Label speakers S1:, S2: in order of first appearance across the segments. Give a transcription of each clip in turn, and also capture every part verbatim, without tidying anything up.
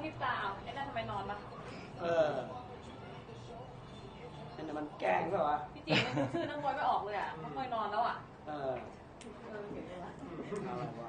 S1: พริบตาเอาไอ้นั่นทำไมนอนมา
S2: เออนั่นมันแกล้งเปล่าวะ
S1: พี่จีนชื่อนักมวยไม่ออกเลยอ่ะนักมวยนอนแล้วอ่ะ
S2: เออ
S1: เออเห็นไหมวะ
S2: อะไรวะ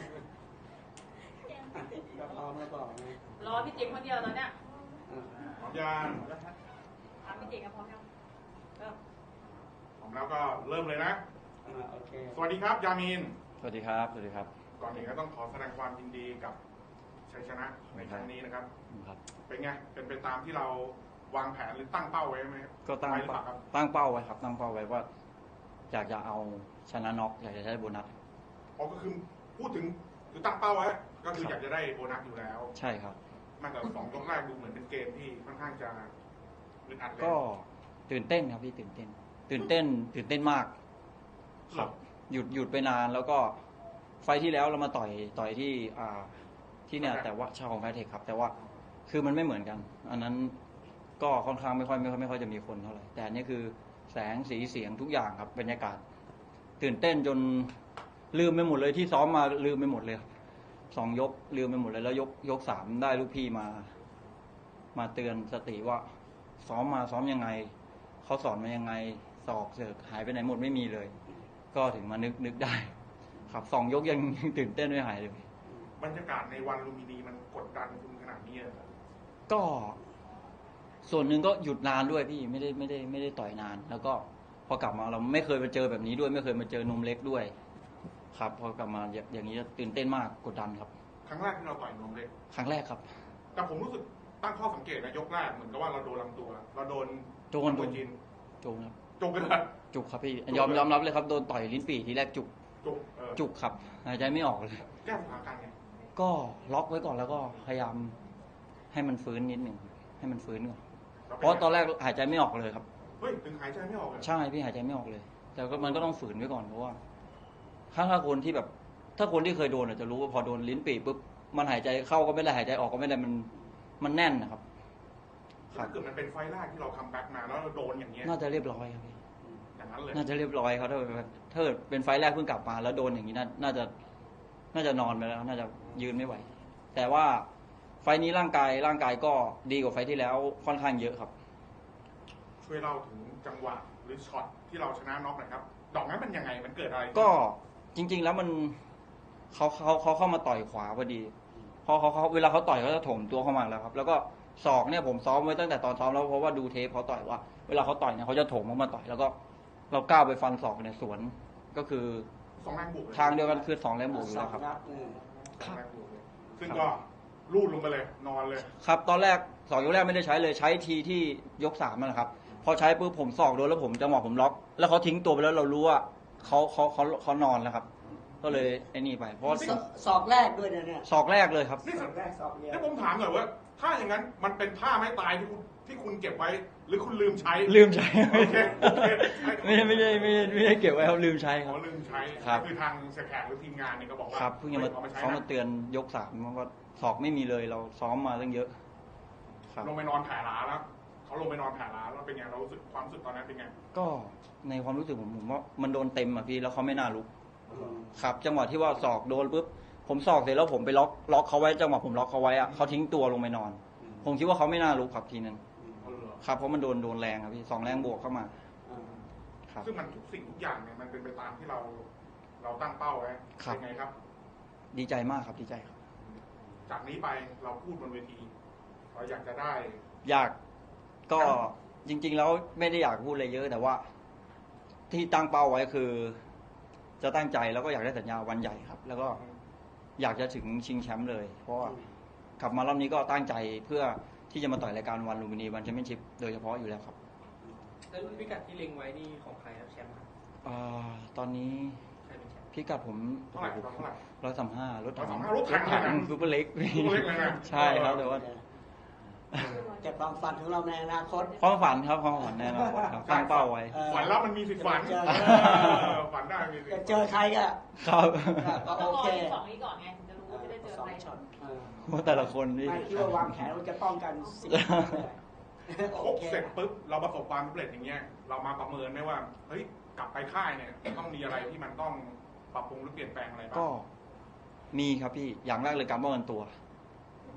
S2: ก็พร้อมแล้วบอกไง
S1: รอพี่จีนคนเดียวตอนเนี้ย
S3: พร้อมยัง
S1: ถามพี่จีนกันพร้อมยังเริ่ม
S3: พร้อมแล้วก็เริ่มเลยนะ
S2: โอเค
S3: สวัสดีครับยามีน
S4: สวัสดีครับสวัสดีครับ
S3: ก่อนอื่นก็ต้องขอแสดงความยินดีกับชัยชนะในครั้งนี้นะครับเป็นไงเป็นไปตามที่เราวางแผนหรือตั้งเป้าไว้ไหม
S4: ก็ตั้งตั้งเป้าไว้ครับตั้งเป้าไว้ว่าอยากจะเอาชนะน็อกอยากจะได้โบนัส
S3: อ๋อก็คือพูดถึงคือตั้งเป้าไว้ก็คืออยากจะได้โบนัสอยู่แล้ว
S4: ใช่ครับ
S3: มันแต่สองยกแรกดูเหมือนเป็นเกมที่ค่อนข้างจะอึดอัดเลย
S4: ก็ตื่นเต้นครับพี่ตื่นเต้นตื่นเต้นตื่นเต้นมากครับหยุดหยุดไปนานแล้วก็ไฟที่แล้วเรามาต่อยต่อยที่อ่าที่เนี่ยแต่ว่าชาวของไฟเทคครับแต่ว่าคือมันไม่เหมือนกันอันนั้นก็ค่อนข้างไม่ค่อยไม่ค่อยไม่ค่อยจะมีคนเท่าไหร่แต่อันนี้คือแสงสีเสียงทุกอย่างครับบรรยากาศตื่นเต้นจนลืมไปหมดเลยที่ซ้อมมาลืมไปหมดเลยสองยกลืมไปหมดเลยแล้วยกยกสามได้ลูกพี่มามาเตือนสติว่าซ้อมมาซ้อมยังไงเขาสอนมายังไงศอกเสือกหายไปไหนหมดไม่มีเลยก็ถึงมานึกนึกได้ครับสองยกยังตื่นเต้นไม่หายเลย
S3: บรรยากาศในวันลุมพินีมันกดดันคุณขนาดนี้เลย
S4: ก็ส่วนหนึ่งก็หยุดนานด้วยพี่ไม่ได้ไม่ได้ไม่ได้ต่อยนานแล้วก็พอกลับมาเราไม่เคยมาเจอแบบนี้ด้วยไม่เคยมาเจอนมเล็กด้วยครับพอกลับมาอย่างนี้ตื่นเต้นมากกดดันครับ
S3: ครั้งแรกที่เราต่อยนมเล็ก
S4: ครั้งแรกครับ
S3: แต่ผมรู้สึกตั้งข้อสังเกตนะยกแรกเหมือนกับว่าเราโดนลำตัวเราโดน
S4: โจนโดน
S3: จิน
S4: โจนครับ
S3: จุกเลย
S4: จุกครับพี่ยอมยอมรับเลยครับโดนต่อยลิ้นปี่ทีแรกจุก
S3: จุก
S4: จุกครับหายใจไม่ออกเลย
S3: แก้สถานการณ์ไง
S4: ก็ล็อกไว้ก่อนแล้วก็พยายามให้มันฟื้นนิดหนึ่งให้มันฟื้นก่อนเพราะตอนแรกหายใจไม่ออกเลยครับ
S3: เฮ้ยถึงหายใจไม่ออกเลย
S4: ใช่พี่หายใจไม่ออกเลยแต่ก็มันก็ต้องฝืนไว้ก่อนเพราะว่าถ้าถ้าคนที่แบบถ้าคนที่เคยโดนอาจจะรู้ว่าพอโดนลิ้นปี่ปุ๊บมันหายใจเข้าก็ไม่ได้หายใจออกก็ไม่ได้มันมันแน่นนะครับ
S3: ถ้าเกิดมันเป็นไฟแรกที่เราคัมแบ็กมาแล้วเราโดนอย่างเงี้ย
S4: น่าจะเรียบร้อยครับพี่
S3: อย่างนั้นเลย
S4: น่าจะเรียบร้อยครับถ้าถ้าเป็นไฟแรกเพิ่งกลับมาแล้วโดนอย่างนี้น่าจะน่าจะนอนไปแล้วน่าจะยืนไม่ไหวแต่ว่าไฟนี้ร่างกายร่างกายก็ดีกว่าไฟที่แล้วค่อนข้างเยอะครับ
S3: ช่วยเล่าถึงจังหวะหรือช็อตที่เราชนะน็อกหน่อยครับดอกนั้นมันยังไงมันเกิดอะไร
S4: ก็จริงๆแล้วมันเขาเขาเขาเข้ามาต่อยขวาพอดีพอเขาเขาเวลาเขาต่อยเขาจะถมตัวเข้ามาแล้วครับแล้วก็ศอกเนี่ยผมซ้อมไว้ตั้งแต่ตอนซ้อมแล้วเพราะว่าดูเทปเขาต่อยว่าเวลาเขาต่อยเนี่ยเขาจะถมเข้ามาต่อยแล้วก็เราก้าวไปฟันศอกในสวนก็คือ
S3: สองแรงบวก
S4: ทางเดียวกันคือสองแรงบวกแล้วครับ
S3: ซึ่งก็ลูดลงไปเลยนอนเลย
S4: ครับตอนแรกสองยกแรกไม่ได้ใช้เลยใช้ทีที่ยกสามนะครับพอใช้ปุ๊บผมศอกโดนแล้วผมจังหวะผมล็อกแล้วเขาทิ้งตัวไปแล้วเรารู้ว่าเขาเขาเขาเขานอนแล้วครับก็เลยไอ้นี่ไปเพราะ
S2: ศอกแรกด้วยเนี่ย
S4: ศอกแรกเลยครับ
S3: ศอกแรกศอกเดียวนี่ผมถามหน่อยว่าถ้าอย่างนั้นมันเป็นท่าไม้ตายที่คุณที่คุณเก็บไว้หรือคุณลืมใช้
S4: ลืมใช้ไม่ไม่ได้ไม่ไม่ได้เก็บไว้ครับลืมใช้ครับ
S3: ลืมใช้คือทางเสียแขกหรือทีมงานเนี่ยก็บอกว่า
S4: ครับเพิ่งจะมาเขามาเตือนยกสามว่าศอกไม่มีเลยเราซ้อมมาตั้งเยอะ
S3: ลงไปนอนแผ่ล้าแล้วเขาลงไปนอนแผ่ล้าแล้วเป็นไงเรารู้สึกความรู้สึกตอนนั้นเป็นไง
S4: ก็ในความรู้สึกผมผมว่ามันโดนเต็มอ่ะพี่แล้วเขาไม่น่าลุกครับจังหวะที่ว่าศอกโดนปุ๊บผมศอกเสร็จแล้วผมไปล็อกล็อกเขาไว้จังหวะผมล็อกเขาไว้อ่ะเขาทิ้งตัวลงไปนอนผมคิดว่าเขาไม่น่าลุกครับทีนั้นครับเพราะมันโดนโดนแรงครับพี่สองแรงบวกเข้ามา
S3: ครับซึ่งมันทุกสิ่งทุกอย่างเนี่ยมันเป็นไปตามที่เราเราตั้งเป้าไว้เป็นไงครับ
S4: ดีใจมากครับดีใจครับ
S3: จากนี้ไปเราพูดบนเวทีเราอยากจะได้
S4: อยากก็จริงๆแล้วไม่ได้อยากพูดอะไรเยอะแต่ว่าที่ตั้งเป้าไว้คือจะตั้งใจแล้วก็อยากได้สัญญาวันใหญ่ครับแล้วก็อยากจะถึงชิงแชมป์เลยเพราะว่ากลับมารอบนี้ก็ตั้งใจเพื่อที่จะมาต่อยรายการวันลุมพินีวันแชมเปี้ยนชิพโดยเฉพาะอยู่แล้วครับ
S5: แล้วรุ่นพิกัดที่เล็งไว้นี่ของใครครับแชมป์ครับ
S4: อ่าตอนนี้พิกัดผม
S3: เท่าไหร่เท่าไหร่
S4: ร้อยสามห้ารถถัง
S3: รถถัง
S4: ซูเปอร์เล็กใช่ครับแต่ว่า
S2: แต่ความฝันของเราในอนาคต
S4: ความฝันครับความฝันในอนาคตครับตั้งเป้าไว้
S3: ฝันแล้วมันมีสิทธิ์ฝันฝันได้มีสิทธิ์
S2: เจอใครก็
S4: ครับ
S2: ก็โอเค
S1: สองนี้ก่อนไงถึงจะรู้ว่าจะได้เจอใคร
S4: ว่าแต่ละคนนี่
S2: ไม่คิดว่าวางแผนว่าจะป้องกันสิ่ง
S3: ครบเสร็จปุ๊บเราประสบความสำเร็จอย่างเงี้ยเรามาประเมินไหมว่าเฮ้ยกลับไปค่ายเนี่ยต้องมีอะไรที่มันต้องปรับปรุงหรือเปลี่ยนแปลงอะไรบ้าง
S4: ก็มีครับพี่อย่างแรกเลยการป้องกันตัว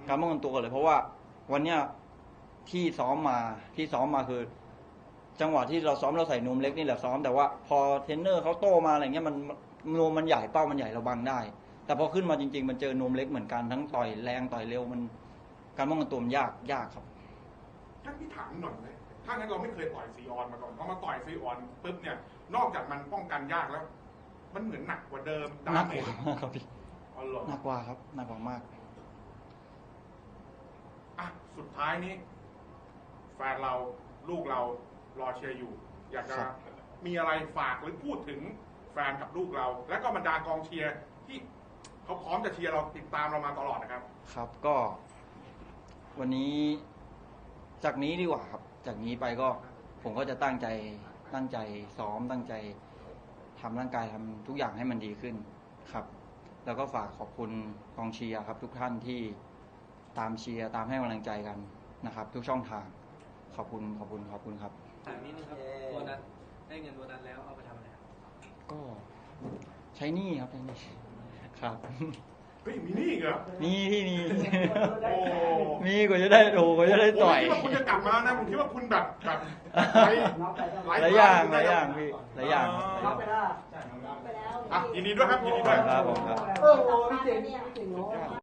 S4: การป้องกันตัวก่อนเลย เพราะว่าวันเนี้ยที่ซ้อมมาที่ซ้อมมาคือ จังหวะที่เราซ้อมเราใส่นวมเล็กนี่แหละซ้อมแต่ว่าพอเทรนเนอร์เขาโตมาอะไรเงี้ยมันนวมมันใหญ่เป้ามันใหญ่เราบังได้ แต่พอขึ้นมาจริงๆมันเจอนวมเล็กเหมือนกันทั้งต่อยแรงต่อยเร็วมันการป้องกันตัวมันยากยากครับ
S3: ถ้าพี่ถามหน่อยเลยถ้างั้นเราไม่เคยต่อยซีออนมาก่อนพอมาต่อยซีออนปุ๊บเนี่ย นอกจากมันป้องกันยากแล้ว มันเหมือนหนักกว่าเดิม
S4: หนักกว่ามากครับพี่
S3: อ๋อเหรอ
S4: หนักกว่าครับหนักกว่ามาก
S3: อ่ะสุดท้ายนี้แฟนเราลูกเรารอเชียร์อยู่ อยากจะ
S4: ครับ
S3: มีอะไรฝากหรือพูดถึงแฟนกับลูกเรา และก็บรรดากองเชียร์ที่เขาพร้อมจะเชียร์เราติดตามเรามาตลอดนะครับ
S4: ครับก็วันนี้จากนี้ดีกว่าครับ จากนี้ไปก็ผมก็จะตั้งใจตั้งใจซ้อมตั้งใจทำร่างกายทำทุกอย่างให้มันดีขึ้นครับ แล้วก็ฝากขอบคุณกองเชียร์ครับ ทุกท่านที่ตามเชียร์ตามให้กำลังใจกันนะครับ ทุกช่องทางขอบคุณขอบคุณขอบคุณครับ
S5: ถามนิดนึงครับโบนัสได้เงินโบนัสแล้วเอาไปทำอะไรครับ
S4: ก็ใช้หนี้ครับใช้หนี้ครับ
S3: เฮ้ยมีนี่อีกเหรอ
S4: มีที่มี
S3: โอ้
S4: มีกว่าจะได้โอ้กว่าจะได้ต่อย
S3: ผมคิดว่าคุณจะกลับมานะผมคิดว่าคุณแบบแบบไร้
S4: หลายอย่างหลายอย่างพี่หลายอย่างครับหลายอย่าง
S2: รับไปได้
S1: ไปแล้ว
S3: อ่ะยินดีด้วยครับยินดีด้วย
S4: ครับผมครับ
S2: โอ้โหพี่เจ๋งพี่เจ๋งเนาะ